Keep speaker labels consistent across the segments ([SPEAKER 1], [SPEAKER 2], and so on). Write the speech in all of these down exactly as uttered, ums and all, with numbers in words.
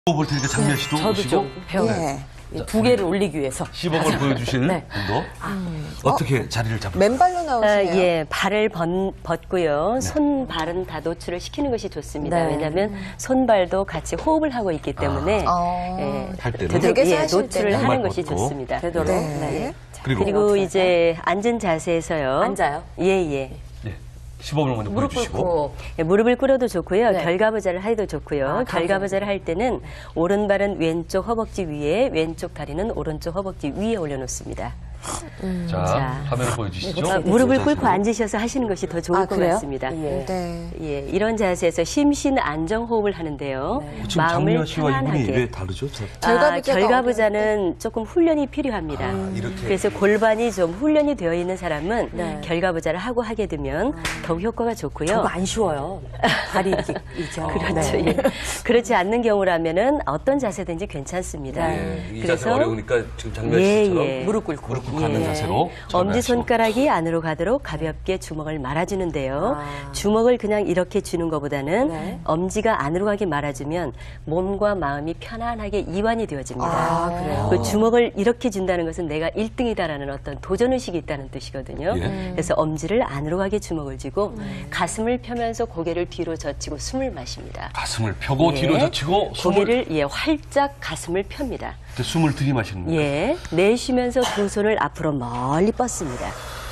[SPEAKER 1] 볼 테니까 장미아 씨도
[SPEAKER 2] 저도
[SPEAKER 1] 오시고
[SPEAKER 2] 좀 배워요.
[SPEAKER 3] 예.
[SPEAKER 2] 두 개를 올리기 위해서.
[SPEAKER 1] 시범을 보여주실
[SPEAKER 2] 네.
[SPEAKER 1] 분도 어떻게 자리를 잡을까요?
[SPEAKER 3] 맨발로
[SPEAKER 4] 아,
[SPEAKER 3] 나오시네요.
[SPEAKER 4] 예, 발을 번, 벗고요. 손발은 다 노출을 시키는 것이 좋습니다.
[SPEAKER 2] 네.
[SPEAKER 4] 왜냐하면 손발도 같이 호흡을 하고 있기 때문에
[SPEAKER 3] 아.
[SPEAKER 4] 예,
[SPEAKER 1] 할 때는
[SPEAKER 4] 되도록
[SPEAKER 3] 댁에서
[SPEAKER 4] 예,
[SPEAKER 3] 하실
[SPEAKER 4] 노출을
[SPEAKER 3] 때는
[SPEAKER 4] 하는
[SPEAKER 1] 양말
[SPEAKER 4] 것이
[SPEAKER 1] 벗고.
[SPEAKER 4] 좋습니다.
[SPEAKER 2] 되도록.
[SPEAKER 3] 네.
[SPEAKER 2] 네.
[SPEAKER 1] 그리고,
[SPEAKER 4] 그리고 이제 앉은 자세에서요.
[SPEAKER 2] 앉아요?
[SPEAKER 4] 예, 예.
[SPEAKER 1] 예, 시범을 먼저
[SPEAKER 2] 무릎
[SPEAKER 1] 보여주시고
[SPEAKER 2] 꿇고.
[SPEAKER 4] 예, 무릎을 꿇어도 좋고요.
[SPEAKER 2] 네.
[SPEAKER 4] 결과부자를 해도 좋고요.
[SPEAKER 2] 아,
[SPEAKER 4] 결과부자를 할 때는 오른발은 왼쪽 허벅지 위에, 왼쪽 다리는 오른쪽 허벅지 위에 올려놓습니다.
[SPEAKER 1] 자,
[SPEAKER 4] 자.
[SPEAKER 1] 화면을 보여주시죠.
[SPEAKER 4] 아, 무릎을
[SPEAKER 1] 자,
[SPEAKER 4] 꿇고
[SPEAKER 1] 자세로.
[SPEAKER 4] 앉으셔서 하시는 것이 더 좋을
[SPEAKER 2] 아,
[SPEAKER 4] 것
[SPEAKER 2] 그래요?
[SPEAKER 4] 같습니다.
[SPEAKER 2] 예.
[SPEAKER 3] 네.
[SPEAKER 4] 예, 이런 자세에서 심신 안정 호흡을 하는데요.
[SPEAKER 1] 어, 지금
[SPEAKER 4] 마음을
[SPEAKER 1] 장미아 씨와 이분이
[SPEAKER 4] 편안하게.
[SPEAKER 1] 왜 다르죠? 자,
[SPEAKER 4] 아,
[SPEAKER 3] 결과부자가
[SPEAKER 4] 결과부자는 조금 훈련이 필요합니다.
[SPEAKER 1] 아, 이렇게.
[SPEAKER 4] 그래서 골반이 좀 훈련이 되어 있는 사람은
[SPEAKER 2] 네.
[SPEAKER 4] 결과부자를 하고 하게 되면 더욱 효과가 좋고요.
[SPEAKER 2] 저거 안 쉬워요. 다리 이렇게 있죠.
[SPEAKER 4] 그렇죠.
[SPEAKER 2] 네.
[SPEAKER 4] 예. 그렇지 않는 경우라면은 어떤 자세든지 괜찮습니다.
[SPEAKER 1] 예, 이 자세가 어려우니까 지금 장미아
[SPEAKER 4] 예,
[SPEAKER 1] 씨처럼
[SPEAKER 4] 예.
[SPEAKER 2] 무릎 꿇고.
[SPEAKER 1] 무릎 꿇고 앉는
[SPEAKER 4] 예.
[SPEAKER 1] 자세로
[SPEAKER 4] 엄지 손가락이 안으로 가도록 가볍게 주먹을 말아주는데요.
[SPEAKER 2] 아.
[SPEAKER 4] 주먹을 그냥 이렇게 쥐는 것보다는
[SPEAKER 2] 네.
[SPEAKER 4] 엄지가 안으로 가게 말아주면 몸과 마음이 편안하게 이완이 되어집니다.
[SPEAKER 2] 아, 그래요?
[SPEAKER 4] 그 주먹을 이렇게 준다는 것은 내가 일 등이다라는 어떤 도전의식이 있다는 뜻이거든요.
[SPEAKER 1] 예.
[SPEAKER 4] 그래서 엄지를 안으로 가게 주먹을 쥐고 가슴을 펴면서 고개를 뒤로 젖히고 숨을 마십니다.
[SPEAKER 1] 가슴을 펴고
[SPEAKER 4] 예.
[SPEAKER 1] 뒤로 젖히고 숨을
[SPEAKER 4] 고개를 예, 활짝 가슴을 펴니다.
[SPEAKER 1] 그때 숨을 들이마시는 거예요.
[SPEAKER 4] 예, 내쉬면서 두 손을 앞으로 멀리 뻗습니다.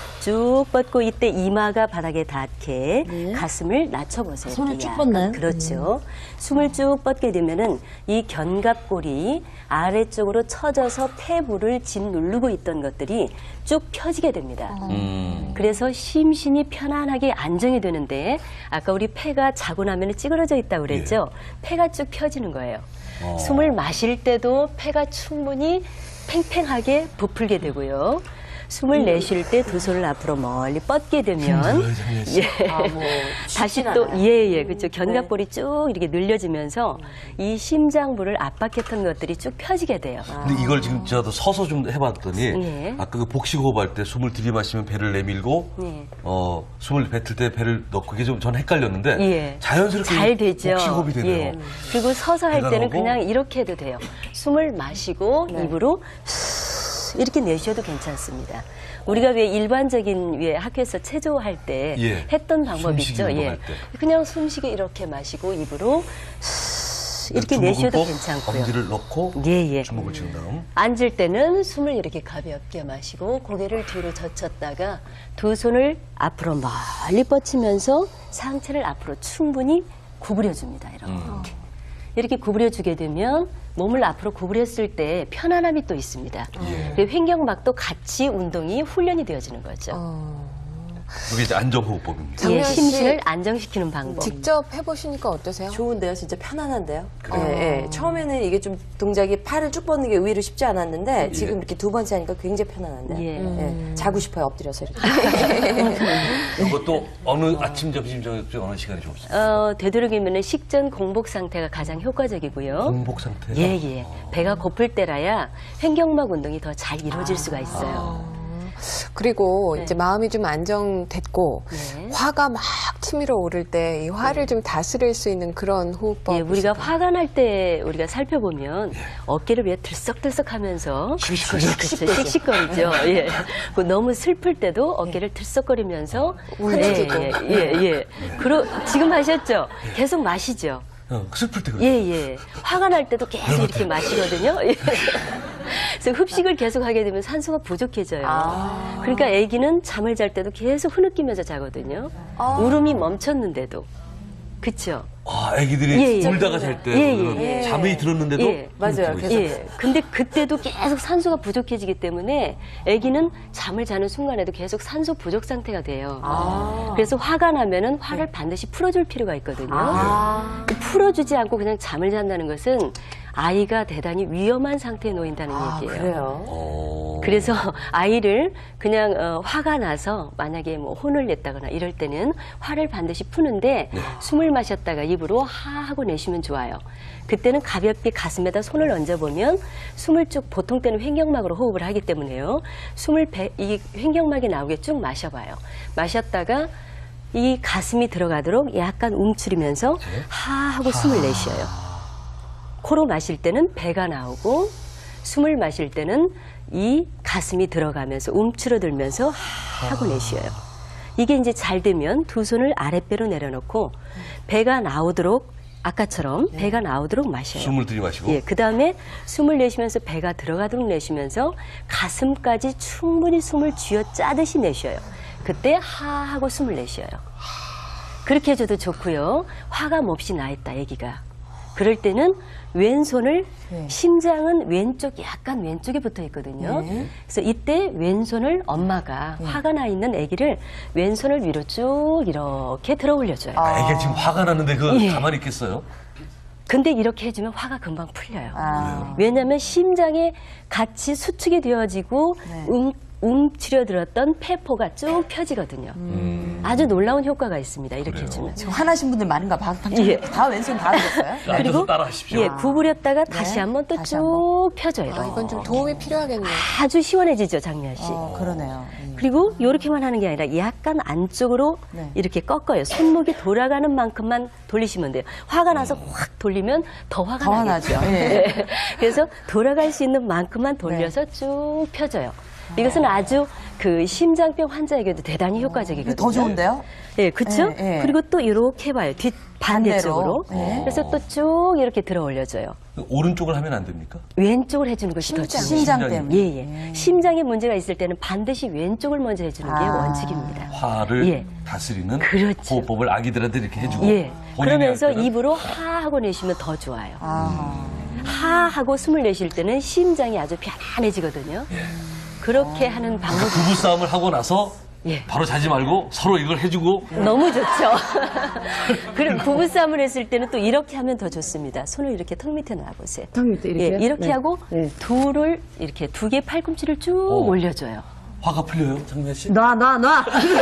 [SPEAKER 4] 쭉 뻗고 이때 이마가 바닥에 닿게 가슴을 낮춰보세요.
[SPEAKER 2] 손을
[SPEAKER 4] 이렇게
[SPEAKER 2] 쭉
[SPEAKER 4] 약간.
[SPEAKER 2] 뻗나요?
[SPEAKER 4] 그렇죠. 숨을 쭉 뻗게 되면은 이 견갑골이 아래쪽으로 처져서 폐부를 짓누르고 있던 것들이 쭉 펴지게 됩니다.
[SPEAKER 1] 음.
[SPEAKER 4] 그래서 심신이 편안하게 안정이 되는데 아까 우리 폐가 자고 나면 찌그러져 있다고 그랬죠? 폐가 쭉 펴지는 거예요.
[SPEAKER 1] 어.
[SPEAKER 4] 숨을 마실 때도 폐가 충분히 팽팽하게 부풀게 되고요. 숨을 내쉴 때 두 손을 앞으로 멀리 뻗게 되면
[SPEAKER 1] 힘들어요, 장미아 씨.
[SPEAKER 4] 예.
[SPEAKER 2] 아, 뭐
[SPEAKER 4] 다시
[SPEAKER 2] 쉽진
[SPEAKER 4] 또
[SPEAKER 2] 않아요.
[SPEAKER 4] 예예 그렇죠. 견갑골이 쭉 이렇게 늘려지면서 이 심장부를 압박했던 것들이 쭉 펴지게 돼요.
[SPEAKER 1] 근데 이걸 지금 저도 서서 좀 해봤더니
[SPEAKER 4] 예.
[SPEAKER 1] 아까 그 복식호흡 할 때 숨을 들이마시면 배를 내밀고
[SPEAKER 4] 예.
[SPEAKER 1] 어 숨을 뱉을 때 배를 넣고 그게 좀 전 헷갈렸는데
[SPEAKER 4] 예.
[SPEAKER 1] 자연스럽게
[SPEAKER 4] 잘 되죠.
[SPEAKER 1] 복식호흡이 되네요.
[SPEAKER 4] 예. 그리고 서서 할
[SPEAKER 1] 배가
[SPEAKER 4] 때는
[SPEAKER 1] 나오고.
[SPEAKER 4] 그냥 이렇게 해도 돼요. 숨을 마시고 입으로 이렇게 내쉬어도 괜찮습니다. 우리가 왜 일반적인 왜 학교에서 체조할 때
[SPEAKER 1] 예.
[SPEAKER 4] 했던 방법
[SPEAKER 1] 숨쉬기
[SPEAKER 4] 있죠.
[SPEAKER 1] 운동할
[SPEAKER 4] 예.
[SPEAKER 1] 때.
[SPEAKER 4] 그냥 숨쉬게 이렇게 마시고 입으로 이렇게
[SPEAKER 1] 주먹을
[SPEAKER 4] 내쉬어도
[SPEAKER 1] 꼭
[SPEAKER 4] 괜찮고요.
[SPEAKER 1] 엄지를 넣고
[SPEAKER 4] 예, 예.
[SPEAKER 1] 주먹을 쥐는 다음
[SPEAKER 4] 앉을 때는 숨을 이렇게 가볍게 마시고 고개를 뒤로 젖혔다가 두 손을 앞으로 멀리 뻗치면서 상체를 앞으로 충분히 구부려줍니다. 이렇게.
[SPEAKER 1] 음.
[SPEAKER 4] 이렇게 구부려주게 되면 몸을 앞으로 구부렸을 때 편안함이 또 있습니다.
[SPEAKER 1] 예.
[SPEAKER 4] 그리고 횡격막도 같이 운동이 훈련이 되어지는 거죠.
[SPEAKER 1] 이게 이제 안정호흡법입니다.
[SPEAKER 4] 예,
[SPEAKER 3] 장미아 씨
[SPEAKER 4] 심신을 안정시키는 방법.
[SPEAKER 3] 직접 해보시니까 어떠세요?
[SPEAKER 2] 좋은데요, 진짜 편안한데요.
[SPEAKER 1] 그래요?
[SPEAKER 2] 예, 예. 처음에는 이게 좀 동작이 팔을 쭉 뻗는 게 의외로 쉽지 않았는데 지금 이렇게 두 번째 하니까 굉장히 편안한데.
[SPEAKER 4] 예.
[SPEAKER 2] 예, 자고 싶어요, 엎드려서 이렇게.
[SPEAKER 1] 이것도 어느 아침, 점심, 저녁 중 어느 시간이 좋습니까?
[SPEAKER 4] 어, 되도록이면 식전 공복 상태가 가장 효과적이고요.
[SPEAKER 1] 공복 상태.
[SPEAKER 4] 예, 예. 배가 고플 때라야 횡격막 운동이 더 잘 이루어질 수가 있어요.
[SPEAKER 3] 그리고
[SPEAKER 4] 네.
[SPEAKER 3] 이제 마음이 좀 안정됐고
[SPEAKER 4] 네.
[SPEAKER 3] 화가 막 치밀어 오를 때 이 화를 좀 다스릴 수 있는 그런 호흡법.
[SPEAKER 4] 예, 우리가 화가 날 때 우리가 살펴보면 어깨를 왜 들썩들썩하면서
[SPEAKER 1] 씩씩거리죠.
[SPEAKER 4] 그렇죠, 씩씩거리죠. 예. 그 너무 슬플 때도 어깨를 들썩거리면서
[SPEAKER 3] 울지도.
[SPEAKER 4] 예, 예, 예, 예. 그러 지금 하셨죠? 계속 마시죠.
[SPEAKER 1] 어, 슬플 때 그래요.
[SPEAKER 4] 예, 예. 화가 날 때도 계속 이렇게 마시거든요. 예. 그래서 흡식을 계속 하게 되면 산소가 부족해져요.
[SPEAKER 2] 아.
[SPEAKER 4] 그러니까 아기는 잠을 잘 때도 계속 흐느끼면서 자거든요. 울음이 멈췄는데도. 그쵸?
[SPEAKER 1] 아, 애기들이
[SPEAKER 4] 예, 예.
[SPEAKER 1] 울다가 잘 때
[SPEAKER 4] 예, 예,
[SPEAKER 2] 예.
[SPEAKER 1] 잠이 들었는데도
[SPEAKER 4] 예.
[SPEAKER 2] 맞아요.
[SPEAKER 1] 흐느끼고
[SPEAKER 2] 계속.
[SPEAKER 1] 있어요.
[SPEAKER 4] 예. 근데 그때도 계속 산소가 부족해지기 때문에 아기는 잠을 자는 순간에도 계속 산소 부족 상태가 돼요.
[SPEAKER 2] 아.
[SPEAKER 4] 그래서 화가 나면은 화를 반드시 풀어줄 필요가 있거든요.
[SPEAKER 2] 아.
[SPEAKER 4] 풀어주지 않고 그냥 잠을 잔다는 것은 아이가 대단히 위험한 상태에 놓인다는
[SPEAKER 2] 아,
[SPEAKER 4] 얘기예요.
[SPEAKER 2] 그래요?
[SPEAKER 1] 어.
[SPEAKER 4] 그래서 아이를 그냥 어, 화가 나서 만약에 뭐 혼을 냈다거나 이럴 때는 화를 반드시 푸는데 숨을 마셨다가 입으로 하 하고 내쉬면 좋아요. 그때는 가볍게 가슴에다 손을 얹어보면 숨을 쭉 보통 때는 횡격막으로 호흡을 하기 때문에요. 숨을 배, 이 횡격막이 나오게 쭉 마셔봐요. 마셨다가 이 가슴이 들어가도록 약간 움츠리면서 하 하고 숨을 내쉬어요. 코로 마실 때는 배가 나오고 숨을 마실 때는 이 가슴이 들어가면서 움츠러들면서 하고 내쉬어요. 이게 이제 잘 되면 두 손을 아랫배로 내려놓고 배가 나오도록 아까처럼 배가 나오도록 마셔요.
[SPEAKER 1] 숨을 들이마시고.
[SPEAKER 4] 예, 그 다음에 숨을 내쉬면서 배가 들어가도록 내쉬면서 가슴까지 충분히 숨을 쥐어 짜듯이 내쉬어요. 그때 하 하고 숨을 내쉬어요. 그렇게 해줘도 좋고요. 화감 없이 나 있다, 아기가. 그럴 때는 왼손을
[SPEAKER 2] 네.
[SPEAKER 4] 심장은 왼쪽 약간 왼쪽에 붙어 있거든요.
[SPEAKER 2] 네.
[SPEAKER 4] 그래서 이때 왼손을 엄마가 화가 나 있는 아기를 왼손을 위로 쭉 이렇게 들어 올려줘요.
[SPEAKER 1] 아, 이게 지금 화가 나는데 그
[SPEAKER 4] 예.
[SPEAKER 1] 가만히 있겠어요?
[SPEAKER 4] 근데 이렇게 해주면 화가 금방 풀려요.
[SPEAKER 2] 아.
[SPEAKER 4] 왜냐하면 심장에 같이 수축이 되어지고
[SPEAKER 2] 네.
[SPEAKER 4] 움, 움츠려들었던 폐포가 쭉 펴지거든요.
[SPEAKER 1] 음.
[SPEAKER 4] 아주 놀라운 효과가 있습니다. 이렇게 해주면.
[SPEAKER 2] 지금 화나신 분들 많은가 봐.
[SPEAKER 4] 예.
[SPEAKER 2] 다 왼손 다 하셨어요?
[SPEAKER 1] 앉아서 따라 하십시오.
[SPEAKER 4] 예, 구부렸다가 다시
[SPEAKER 2] 네.
[SPEAKER 4] 한번 또
[SPEAKER 2] 다시
[SPEAKER 4] 쭉 펴줘요.
[SPEAKER 3] 아, 이건 좀 도움이 필요하겠네요.
[SPEAKER 4] 아주 시원해지죠, 장미아 씨.
[SPEAKER 2] 어, 그러네요. 음.
[SPEAKER 4] 그리고 이렇게만 하는 게 아니라 약간 안쪽으로
[SPEAKER 2] 네.
[SPEAKER 4] 이렇게 꺾어요. 손목이 돌아가는 만큼만 돌리시면 돼요. 화가 나서 확 돌리면 더 화가
[SPEAKER 2] 더
[SPEAKER 4] 나겠죠.
[SPEAKER 2] 화나죠. 예.
[SPEAKER 4] 네. 그래서 돌아갈 수 있는 만큼만 돌려서
[SPEAKER 2] 네.
[SPEAKER 4] 쭉 펴줘요. 이것은 아주 그 심장병 환자에게도 대단히 효과적이거든요.
[SPEAKER 2] 더 좋은데요?
[SPEAKER 4] 예, 그렇죠?
[SPEAKER 2] 예, 예.
[SPEAKER 4] 그리고 또 이렇게 해봐요. 뒷 반대쪽으로.
[SPEAKER 2] 반대로. 네.
[SPEAKER 4] 그래서 또 쭉 이렇게 들어 올려줘요.
[SPEAKER 1] 오른쪽을 하면 안 됩니까?
[SPEAKER 4] 왼쪽을 해주는 것이 더
[SPEAKER 3] 심장.
[SPEAKER 4] 중요해요.
[SPEAKER 2] 심장
[SPEAKER 1] 심장이.
[SPEAKER 2] 때문에.
[SPEAKER 4] 예, 예. 심장에 문제가 있을 때는 반드시 왼쪽을 먼저 해주는 게
[SPEAKER 2] 아.
[SPEAKER 4] 원칙입니다.
[SPEAKER 1] 화를
[SPEAKER 4] 예.
[SPEAKER 1] 다스리는
[SPEAKER 4] 그렇죠.
[SPEAKER 1] 호흡법을 아기들한테 이렇게 해주고.
[SPEAKER 4] 예.
[SPEAKER 1] 본인이
[SPEAKER 4] 그러면서
[SPEAKER 1] 할 때는
[SPEAKER 4] 입으로 하 하고 내쉬면 더 좋아요.
[SPEAKER 2] 아.
[SPEAKER 4] 하 하고 숨을 내쉴 때는 심장이 아주 편안해지거든요. 그렇게 하는 방법이
[SPEAKER 1] 부부 싸움을 하고 나서
[SPEAKER 4] 예.
[SPEAKER 1] 바로 자지 말고 서로 이걸 해주고
[SPEAKER 4] 너무 좋죠. 그리고 부부싸움을 했을 때는 또 이렇게 하면 더 좋습니다. 손을 이렇게 턱 밑에 놔보세요.
[SPEAKER 5] 턱 밑에 이렇게요?
[SPEAKER 4] 예, 이렇게
[SPEAKER 5] 네.
[SPEAKER 4] 하고
[SPEAKER 5] 네.
[SPEAKER 4] 둘을 이렇게 두 개 팔꿈치를 쭉
[SPEAKER 1] 어.
[SPEAKER 4] 올려줘요.
[SPEAKER 1] 화가 풀려요, 장미아 씨?
[SPEAKER 5] 놔, 놔, 놔.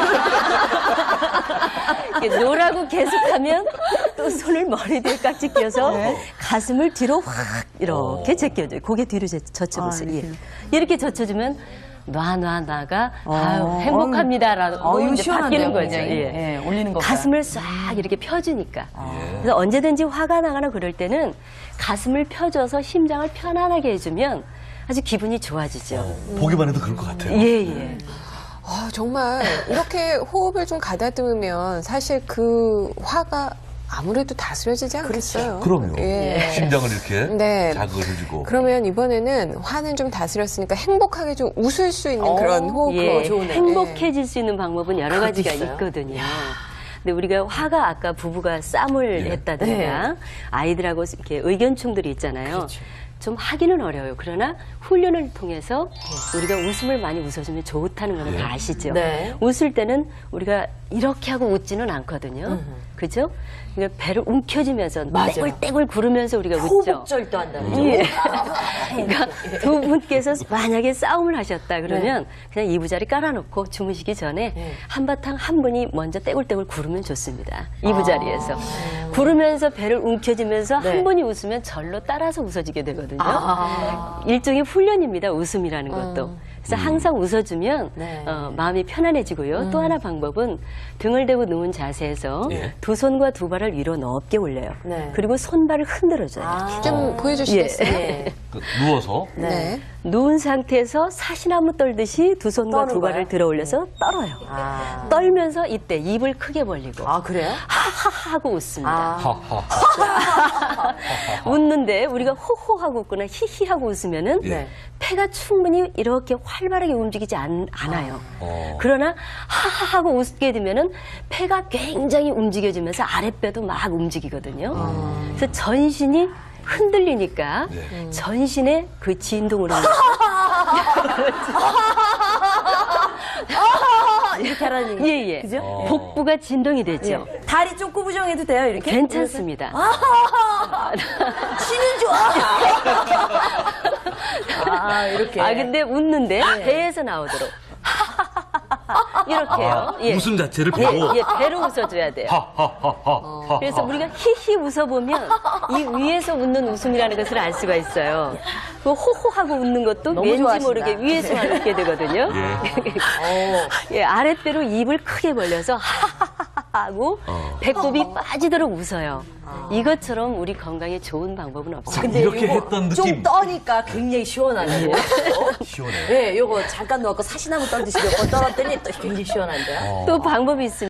[SPEAKER 4] 이렇게 노라고 계속하면 또 손을 머리 뒤에 깍지 껴서
[SPEAKER 5] 네.
[SPEAKER 4] 가슴을 뒤로 확 이렇게 제껴줘요. 고개 뒤로 제- 젖혀보세요.
[SPEAKER 5] 아,
[SPEAKER 4] 예.
[SPEAKER 5] 이렇게요?
[SPEAKER 4] 이렇게 젖혀주면 놔, 놔, 놔가
[SPEAKER 5] 어.
[SPEAKER 4] 아유, 행복합니다라고
[SPEAKER 2] 어, 이거
[SPEAKER 4] 이제
[SPEAKER 2] 시원한데요,
[SPEAKER 4] 바뀌는 거죠.
[SPEAKER 2] 굉장히.
[SPEAKER 4] 예.
[SPEAKER 2] 예, 올리는 거.
[SPEAKER 4] 가슴을 싹 이렇게 펴주니까.
[SPEAKER 2] 아.
[SPEAKER 4] 그래서 언제든지 화가 나거나 그럴 때는 가슴을 펴줘서 심장을 편안하게 해주면 아주 기분이 좋아지죠.
[SPEAKER 1] 보기만 해도 그럴 것 같아요.
[SPEAKER 4] 예, 예.
[SPEAKER 3] 아, 정말 이렇게 호흡을 좀 가다듬으면 사실 그 화가 아무래도 다스려지지 않겠어요.
[SPEAKER 1] 그럼요.
[SPEAKER 3] 예.
[SPEAKER 1] 심장을 이렇게
[SPEAKER 3] 네.
[SPEAKER 1] 자극을 해주고.
[SPEAKER 3] 그러면 이번에는 화는 좀 다스렸으니까 행복하게 좀 웃을 수 있는 그런 호흡.
[SPEAKER 4] 예,
[SPEAKER 3] 좋네요.
[SPEAKER 4] 행복해질 수 있는 방법은 여러 가지가
[SPEAKER 2] 있어요?
[SPEAKER 4] 있거든요. 근데 우리가 화가 아까 부부가 싸움을
[SPEAKER 1] 예.
[SPEAKER 4] 했다든가 아이들하고 이렇게 의견 충돌이 있잖아요. 좀 하기는 어려워요. 그러나 훈련을 통해서 우리가 웃음을 많이 웃어주면 좋다는 거는
[SPEAKER 1] 예.
[SPEAKER 4] 다 아시죠?
[SPEAKER 2] 네.
[SPEAKER 4] 웃을 때는 우리가 이렇게 하고 웃지는 않거든요. 그죠? 그러니까 배를 움켜쥐면서
[SPEAKER 2] 맞아요.
[SPEAKER 4] 떼굴떼굴 구르면서 우리가 웃죠.
[SPEAKER 2] 호흡절도 한다는 거죠.
[SPEAKER 4] 예. 그러니까 두 분께서 만약에 싸움을 하셨다 그러면 그냥 이부자리 깔아놓고 주무시기 전에 한바탕 한 분이 먼저 떼굴떼굴 구르면 좋습니다. 이부자리에서. 구르면서 배를 움켜쥐면서
[SPEAKER 2] 네.
[SPEAKER 4] 한 분이 웃으면 절로 따라서 웃어지게 되거든요.
[SPEAKER 2] 아.
[SPEAKER 4] 일종의 훈련입니다. 웃음이라는 것도. 그래서 항상 웃어주면
[SPEAKER 2] 네.
[SPEAKER 4] 어, 마음이 편안해지고요. 또 하나 방법은 등을 대고 누운 자세에서
[SPEAKER 1] 예.
[SPEAKER 4] 두 손과 두 발을 위로 높게 올려요.
[SPEAKER 2] 네.
[SPEAKER 4] 그리고 손발을 흔들어줘요.
[SPEAKER 2] 아.
[SPEAKER 3] 좀 보여주시겠어요?
[SPEAKER 2] 예.
[SPEAKER 1] 그 누워서
[SPEAKER 3] 네.
[SPEAKER 4] 누운 상태에서 사시나무 떨듯이 두 손과
[SPEAKER 2] 떠는
[SPEAKER 4] 두 발을
[SPEAKER 2] 거예요?
[SPEAKER 4] 들어 올려서 떨어요.
[SPEAKER 2] 아.
[SPEAKER 4] 떨면서 이때 입을 크게 벌리고
[SPEAKER 2] 아, 그래요?
[SPEAKER 4] 하하하 하고 웃습니다.
[SPEAKER 2] 아.
[SPEAKER 1] 하하.
[SPEAKER 4] 웃는데 우리가 호호하고 웃거나 히히하고 웃으면은
[SPEAKER 1] 예.
[SPEAKER 4] 폐가 충분히 이렇게 활발하게 움직이지 않, 않아요.
[SPEAKER 1] 어.
[SPEAKER 4] 그러나 하하하고 웃게 되면은 폐가 굉장히 움직여지면서 아랫배도 막 움직이거든요. 그래서 전신이 흔들리니까
[SPEAKER 1] 네.
[SPEAKER 4] 전신에 그 진동으로
[SPEAKER 2] 이렇게 하라는 얘기.
[SPEAKER 4] 예, 예.
[SPEAKER 2] 그죠?
[SPEAKER 1] 어.
[SPEAKER 4] 복부가 진동이 되죠.
[SPEAKER 2] 다리 좀 구부정해도 돼요, 이렇게?
[SPEAKER 4] 괜찮습니다.
[SPEAKER 2] 쉬는 좋아. 아, 이렇게.
[SPEAKER 4] 아, 근데 웃는데 배에서 나오도록. 이렇게요. 예.
[SPEAKER 1] 웃음 자체를
[SPEAKER 4] 예,
[SPEAKER 1] 배고.
[SPEAKER 4] 예, 배로 웃어줘야 돼요.
[SPEAKER 1] 하하하하.
[SPEAKER 4] 그래서 우리가 히히 웃어보면 이 위에서 웃는 웃음이라는 것을 알 수가 있어요. 그 호호하고 웃는 것도
[SPEAKER 2] 너무
[SPEAKER 4] 왠지
[SPEAKER 2] 좋아하신다.
[SPEAKER 4] 모르게 위에서만 웃게 되거든요.
[SPEAKER 1] 예.
[SPEAKER 4] 예, 아랫배로 입을 크게 벌려서 하하하하 하고
[SPEAKER 1] 어.
[SPEAKER 4] 배꼽이 빠지도록 웃어요. 이것처럼 우리 건강에 좋은 방법은 없어요.
[SPEAKER 2] 근데
[SPEAKER 1] 이렇게
[SPEAKER 2] 요거
[SPEAKER 1] 했던
[SPEAKER 2] 좀
[SPEAKER 1] 느낌.
[SPEAKER 2] 떠니까 굉장히 시원하네요.
[SPEAKER 1] 시원해.
[SPEAKER 2] 네, 요거 잠깐 넣고 사시나무 떨듯이 몇 번 떨었더니 또 굉장히 시원한데요.
[SPEAKER 1] 어.
[SPEAKER 4] 또 방법이 있습니다.